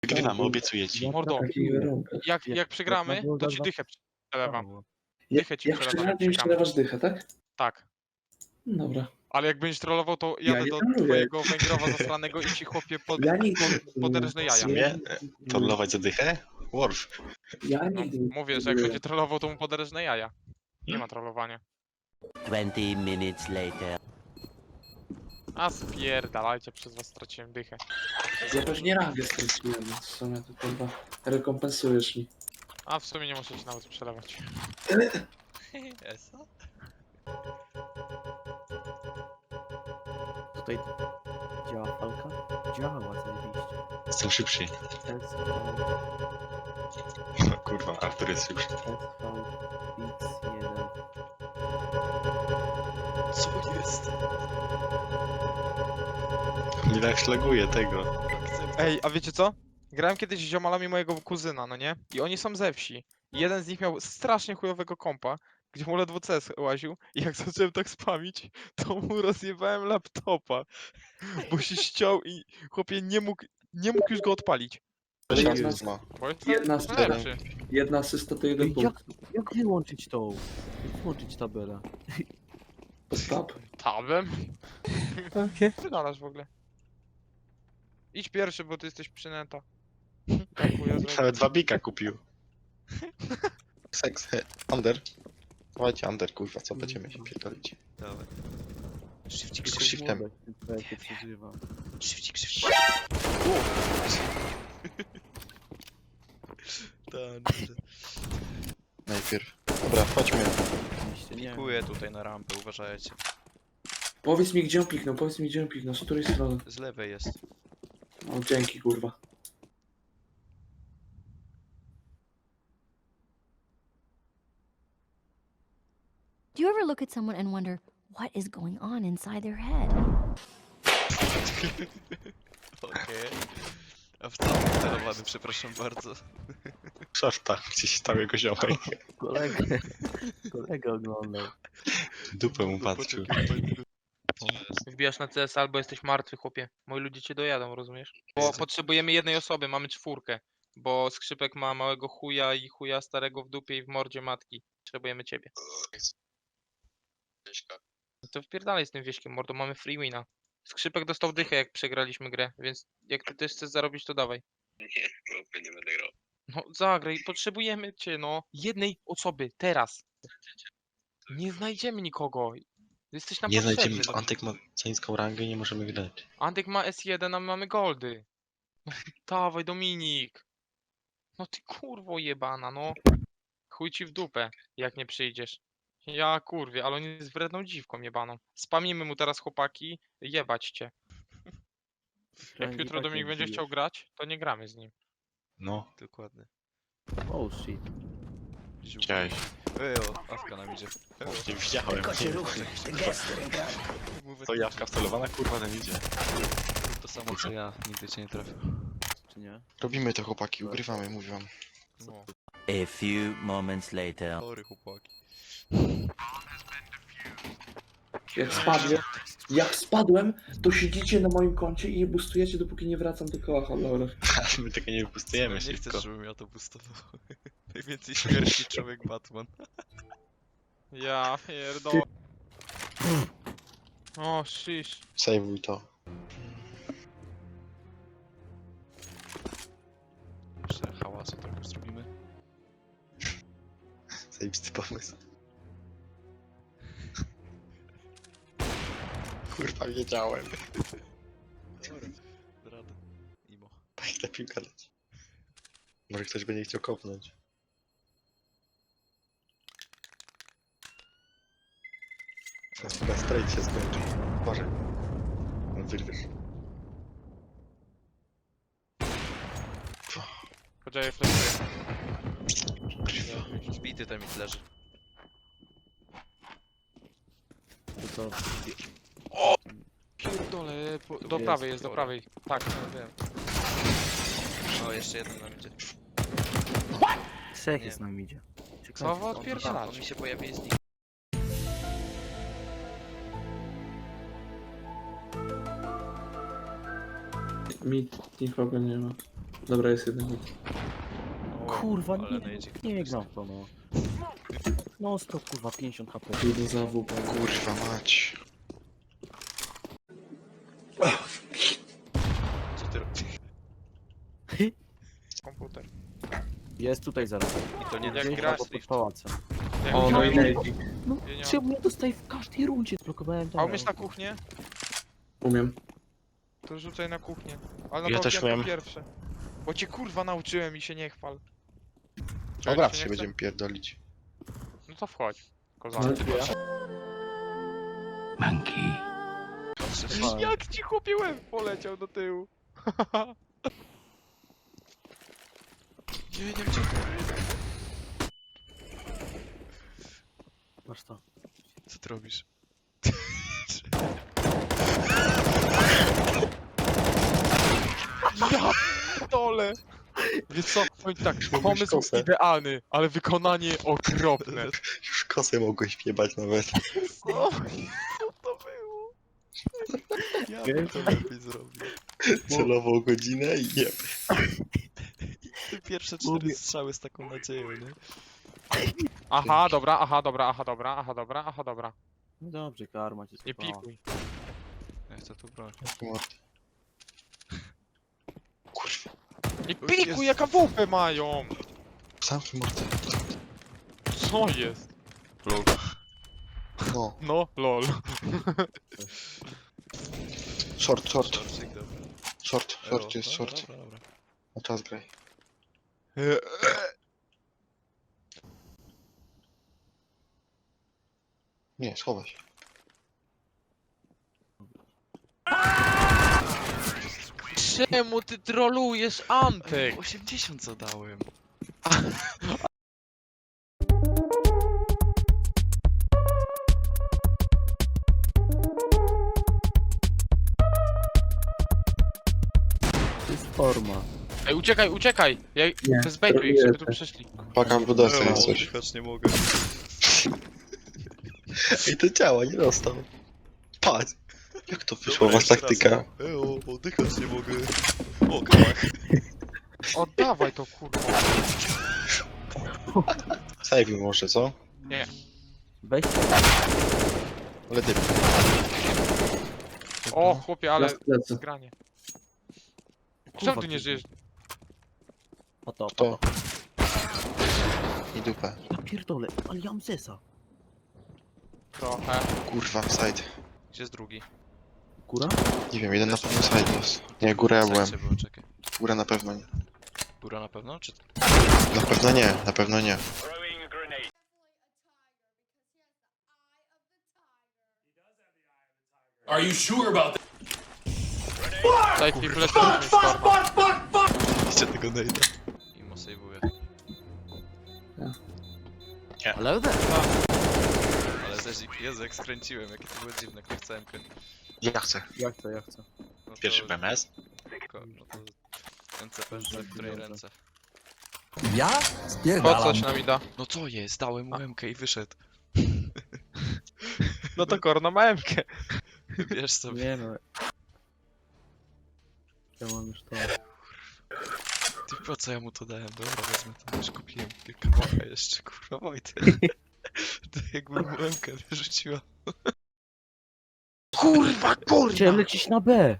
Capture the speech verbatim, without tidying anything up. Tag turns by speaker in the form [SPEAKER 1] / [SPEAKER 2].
[SPEAKER 1] Wygrywamy, obiecuję ci.
[SPEAKER 2] Mordo,
[SPEAKER 3] Takich warunkach.
[SPEAKER 2] jak, jak przegramy, to ci dychę przelewam. Dychę ci
[SPEAKER 3] Jak
[SPEAKER 2] przelewam, jak
[SPEAKER 3] przegrać, mi
[SPEAKER 2] przegramy.
[SPEAKER 3] przelewasz dychę, tak?
[SPEAKER 2] Tak.
[SPEAKER 3] No dobra.
[SPEAKER 2] Ale jak będziesz trollował, to
[SPEAKER 3] Ja
[SPEAKER 2] jadę
[SPEAKER 3] nie
[SPEAKER 2] do
[SPEAKER 3] trolluję.
[SPEAKER 2] twojego węgrowa zasranego i ci chłopie pod,
[SPEAKER 3] Ja nigdy
[SPEAKER 2] pod, poderżnę
[SPEAKER 1] W
[SPEAKER 2] jaja.
[SPEAKER 1] sumie, trollować za dychę? Worf.
[SPEAKER 3] Ja
[SPEAKER 2] No,
[SPEAKER 3] nigdy nie
[SPEAKER 2] mówię, że jak będzie trollował, to mu poderżnę jaja. Nie ma trollowania.
[SPEAKER 4] Twenty minutes later.
[SPEAKER 2] A spierdalajcie, przez was straciłem dychę.
[SPEAKER 3] Ja pewnie rangę straciłem, więc w sumie to chyba rekompensujesz mi.
[SPEAKER 2] A w sumie nie muszę ci nawet przelewać.
[SPEAKER 5] Eso?
[SPEAKER 6] Tutaj działa falka? Działa zajebiście.
[SPEAKER 1] Jestem szybszy.
[SPEAKER 6] S V,
[SPEAKER 1] No kurwa, Artur jest szybszy.
[SPEAKER 6] S V, X jeden.
[SPEAKER 5] Co jest?
[SPEAKER 1] Nie tak szlaguje tego.
[SPEAKER 2] Ej, a wiecie co? Grałem kiedyś z ziomalami mojego kuzyna, no nie? I oni są ze wsi. I jeden z nich miał strasznie chujowego kompa, gdzie mu ledwo C S łaził. I jak zacząłem tak spamić, to mu rozjebałem laptopa. Bo się ściął i chłopie nie mógł, nie mógł już go odpalić.
[SPEAKER 3] Jedna,
[SPEAKER 1] ma.
[SPEAKER 2] Bo jest
[SPEAKER 3] Jedna
[SPEAKER 2] to
[SPEAKER 3] z
[SPEAKER 2] lepszy.
[SPEAKER 3] jedna asysta to jeden
[SPEAKER 6] Ej,
[SPEAKER 3] punkt.
[SPEAKER 6] jak, jak wyłączyć tą? Jak wyłączyć tabelę?
[SPEAKER 3] Stop.
[SPEAKER 2] Tabem?
[SPEAKER 6] Takie?
[SPEAKER 2] Wydalasz w ogóle. Idź pierwszy, bo ty jesteś przynęta. Tak chuja zrobię.
[SPEAKER 1] Nawet dwa bika kupił. Seks, he, under. Dawajcie under, kurwa, co będziemy się pierdolić.
[SPEAKER 5] Dawaj. Szybcik,
[SPEAKER 1] Tylko
[SPEAKER 5] szybcik,
[SPEAKER 1] shiftem.
[SPEAKER 6] Jak przeżywa.
[SPEAKER 5] szybcik, szybcik. Tak,
[SPEAKER 1] Najpierw. Dobra, chodźmy.
[SPEAKER 6] Oczywiście nie.
[SPEAKER 5] pikuję tutaj na rampę, uważajcie.
[SPEAKER 3] Powiedz mi, gdzie on piknął, powiedz mi, gdzie on piknął, z której strony.
[SPEAKER 5] Z lewej jest.
[SPEAKER 3] O, dzięki, kurwa.
[SPEAKER 7] Do you ever look at someone and wonder what is going on inside their head?
[SPEAKER 5] Okej. A w całym celowany, przepraszam bardzo.
[SPEAKER 1] Szorta, gdzieś stał jego ziomek.
[SPEAKER 6] Kolega, kolega oglądał.
[SPEAKER 1] Dupę mu patrzył.
[SPEAKER 2] Wbijasz na C S albo jesteś martwy, chłopie. Moi ludzie cię dojadą, rozumiesz? Bo potrzebujemy jednej osoby, mamy czwórkę. Bo Skrzypek ma małego chuja i chuja starego w dupie i w mordzie matki. Potrzebujemy ciebie. No to wpierdalaj z tym wieśkiem, mordo, mamy free wina. Skrzypek dostał dychę, jak przegraliśmy grę, więc jak ty też chcesz zarobić, to dawaj.
[SPEAKER 8] Nie, chłopie, nie będę grał.
[SPEAKER 2] No zagraj, potrzebujemy cię, no. Jednej osoby, teraz. Nie znajdziemy nikogo. Jesteś nam
[SPEAKER 1] Nie
[SPEAKER 2] potrzebny.
[SPEAKER 1] znajdziemy,
[SPEAKER 2] do-
[SPEAKER 1] Antek ma za niską rangę i nie możemy grać.
[SPEAKER 2] Antek ma S jeden, a my mamy goldy. No, dawaj, Dominik. No ty kurwo jebana, no. Chuj ci w dupę, jak nie przyjdziesz. Ja kurwie, ale on jest wredną dziwką jebaną. Spamimy mu teraz, chłopaki, jebać cię. Jak
[SPEAKER 6] Frank i
[SPEAKER 2] jutro
[SPEAKER 6] tak
[SPEAKER 2] Dominik
[SPEAKER 6] nie
[SPEAKER 2] będzie
[SPEAKER 6] bijesz.
[SPEAKER 2] chciał grać, to nie gramy z nim.
[SPEAKER 1] No,
[SPEAKER 5] Dokładnie.
[SPEAKER 6] Oh shit.
[SPEAKER 1] widziałeś.
[SPEAKER 5] Ej, o, Awka nam idzie.
[SPEAKER 1] Nie widziałem.
[SPEAKER 5] Mówię,
[SPEAKER 1] To jawka wcelowana, kurwa, ten idzie.
[SPEAKER 5] to samo co ja, nigdy cię nie trafię.
[SPEAKER 6] Czy nie?
[SPEAKER 1] Robimy to, chłopaki, ugrywamy, mówię wam.
[SPEAKER 5] No,
[SPEAKER 4] A few moments later.
[SPEAKER 5] chory chłopaki.
[SPEAKER 3] Jak spadłem, jak spadłem, to siedzicie na moim koncie i je boostujecie, dopóki nie wracam do koła honorowych.
[SPEAKER 1] My tego nie wypustujemy
[SPEAKER 5] Nie
[SPEAKER 1] szybko.
[SPEAKER 5] chcesz, żebym ja to boostował. Najwięcej śmierci człowiek Batman.
[SPEAKER 2] Ja pierdolę. O, shish.
[SPEAKER 1] Sejwuj to.
[SPEAKER 5] Jeszcze hałasu trochę zrobimy.
[SPEAKER 1] Zajebisty pomysł. Kurwa, wiedziałem.
[SPEAKER 5] Rada. Imo.
[SPEAKER 1] Jak ta piłka leci. Może ktoś będzie chciał kopnąć. Teraz chyba strajk się skończy. Uważaj. No wyrwiesz.
[SPEAKER 2] Poczekaj, flashuję.
[SPEAKER 5] Zbity ten mit leży.
[SPEAKER 6] To co?
[SPEAKER 2] Pierdolę, po, do
[SPEAKER 6] Jest,
[SPEAKER 2] prawej jest, do
[SPEAKER 5] dobra.
[SPEAKER 2] prawej. Tak, no wiem.
[SPEAKER 5] O, jeszcze jeden nam idzie.
[SPEAKER 6] Trzech
[SPEAKER 5] Nie.
[SPEAKER 6] jest nam idzie. Czekajcie,
[SPEAKER 2] Co wy
[SPEAKER 6] to-
[SPEAKER 2] odpierdalacie?
[SPEAKER 5] On mi się pojawi z nim.
[SPEAKER 3] Mi nikogo nie ma. Dobra, jest jeden.
[SPEAKER 6] Kurwa,
[SPEAKER 5] ale
[SPEAKER 6] nie,
[SPEAKER 5] nejdzik.
[SPEAKER 6] nie gram w to, no. No stop, kurwa, pięćdziesiąt HP.
[SPEAKER 3] Jeden za W P.
[SPEAKER 1] Kurwa mać.
[SPEAKER 5] Co ty robisz?
[SPEAKER 2] Komputer.
[SPEAKER 6] Jest tutaj zaraz.
[SPEAKER 5] I to nie
[SPEAKER 2] Jak
[SPEAKER 5] jak
[SPEAKER 2] gra-
[SPEAKER 5] gra
[SPEAKER 6] Albo pod pałacem.
[SPEAKER 2] Jak
[SPEAKER 3] O, no i
[SPEAKER 2] umiesz-
[SPEAKER 3] nejdzik.
[SPEAKER 6] No,
[SPEAKER 2] Ja nie
[SPEAKER 6] czemu ja dostaję w każdej rundzie? Zblokowałem
[SPEAKER 2] A
[SPEAKER 6] teraz.
[SPEAKER 2] umiesz na kuchnię?
[SPEAKER 3] Umiem.
[SPEAKER 2] To rzucaj na kuchnię. Ale na
[SPEAKER 1] Ja
[SPEAKER 2] to
[SPEAKER 1] też
[SPEAKER 2] okienko
[SPEAKER 1] umiem.
[SPEAKER 2] pierwsze. Bo cię kurwa nauczyłem i się nie chwal. Czego
[SPEAKER 1] Dobra,
[SPEAKER 2] ci
[SPEAKER 1] się
[SPEAKER 2] nie chce?
[SPEAKER 1] będziemy pierdolić.
[SPEAKER 2] No to wchodź.
[SPEAKER 3] No,
[SPEAKER 2] Kozak.
[SPEAKER 3] ja.
[SPEAKER 5] patrzysz?
[SPEAKER 2] Jak ci chłopie łeb poleciał do tyłu.
[SPEAKER 5] Nie, nie wiem,
[SPEAKER 6] Masz to.
[SPEAKER 5] co ty robisz?
[SPEAKER 2] Ja dole. Wiesz co, powiem tak, pomysł
[SPEAKER 1] kosę.
[SPEAKER 2] idealny, ale wykonanie okropne.
[SPEAKER 1] Już kosę mogłeś wjebać nawet.
[SPEAKER 2] Co? Co to było?
[SPEAKER 5] Ja bym to lepiej zrobił.
[SPEAKER 1] Celował godzinę i nie.
[SPEAKER 5] Te pierwsze cztery strzały z taką nadzieją, nie?
[SPEAKER 2] Aha, dobra, aha, dobra, aha, dobra, aha, dobra, aha, dobra.
[SPEAKER 6] No dobrze, karma cię
[SPEAKER 2] Nie
[SPEAKER 6] skopała.
[SPEAKER 2] pikuj.
[SPEAKER 5] Ja chcę tu broń.
[SPEAKER 1] Mord. Kurwa.
[SPEAKER 2] Nie
[SPEAKER 5] O
[SPEAKER 2] pikuj,
[SPEAKER 5] Jezu.
[SPEAKER 2] jaka W P mają!
[SPEAKER 1] Zamknij mordę.
[SPEAKER 2] Co jest?
[SPEAKER 5] Lol.
[SPEAKER 1] No.
[SPEAKER 2] No, lol.
[SPEAKER 1] Short, short.
[SPEAKER 5] Szorcik, dobra.
[SPEAKER 1] Short,
[SPEAKER 5] Elo,
[SPEAKER 1] short jest,
[SPEAKER 5] no,
[SPEAKER 1] short.
[SPEAKER 5] Dobra, dobra.
[SPEAKER 1] Na czas graj. Nie, schowaj się.
[SPEAKER 2] Czemu ty trolujesz Antek?
[SPEAKER 5] osiemdziesiąt zadałem.
[SPEAKER 6] To jest forma.
[SPEAKER 2] Ej, uciekaj, uciekaj! Ja
[SPEAKER 3] Nie,
[SPEAKER 2] zbejtuj ich, żeby tu
[SPEAKER 3] troluję.
[SPEAKER 2] przyszli.
[SPEAKER 1] Paka w budowce jest coś.
[SPEAKER 5] oddychać nie mogę.
[SPEAKER 1] I to działa, nie dostał. Patrz. Jak to wyszła was taktyka?
[SPEAKER 5] Eo, oddychać nie mogę. O, kałach.
[SPEAKER 2] Oddawaj to kurwa.
[SPEAKER 1] Save może, co?
[SPEAKER 6] Weź
[SPEAKER 1] Ale ty.
[SPEAKER 2] O, chłopie, ale
[SPEAKER 3] Raz lecę.
[SPEAKER 2] zgranie.
[SPEAKER 6] kurwa,
[SPEAKER 2] Czemu ty nie żyjesz?
[SPEAKER 6] Po to, po
[SPEAKER 1] To.
[SPEAKER 6] to.
[SPEAKER 1] I dupę.
[SPEAKER 6] Ja pierdolę, ale ja mam zesa.
[SPEAKER 2] Trochę.
[SPEAKER 1] Kurwa, side.
[SPEAKER 5] Gdzie jest drugi?
[SPEAKER 6] Góra?
[SPEAKER 1] Nie wiem, jeden na pewno side jest. Nie, górę ja byłem.
[SPEAKER 5] Było, czekaj.
[SPEAKER 1] Górę na pewno nie.
[SPEAKER 5] Góra na pewno? Czy...
[SPEAKER 1] Na pewno nie, na pewno nie.
[SPEAKER 2] Daj mi flash, mi skorma.
[SPEAKER 5] Widzicie tego nejda? I mo sejwuję.
[SPEAKER 6] Ale there.
[SPEAKER 5] Ale też, Jezu, jak skręciłem, jakie to było dziwne, jak nie chciałem kręcić.
[SPEAKER 1] Ja chcę.
[SPEAKER 6] Ja chcę, ja chcę.
[SPEAKER 5] No to,
[SPEAKER 1] Pierwszy B M S?
[SPEAKER 5] Tylko, no to... Ręce pewnie, w której ręce?
[SPEAKER 6] Ja?
[SPEAKER 2] Po coś nam da.
[SPEAKER 5] No co jest? Dałem mu M K i wyszedł.
[SPEAKER 2] No to korno ma M-kę.
[SPEAKER 5] Wiesz sobie.
[SPEAKER 6] Nie no. Ja mam już to.
[SPEAKER 5] Ty po co ja mu to dałem? Dobra, wezmę to, już kupiłem kałacha jeszcze, kurwa Wojtek. To jakby mu M K wyrzuciła.
[SPEAKER 2] Kurwa, kurwa!
[SPEAKER 6] Chciałem lecieć na B.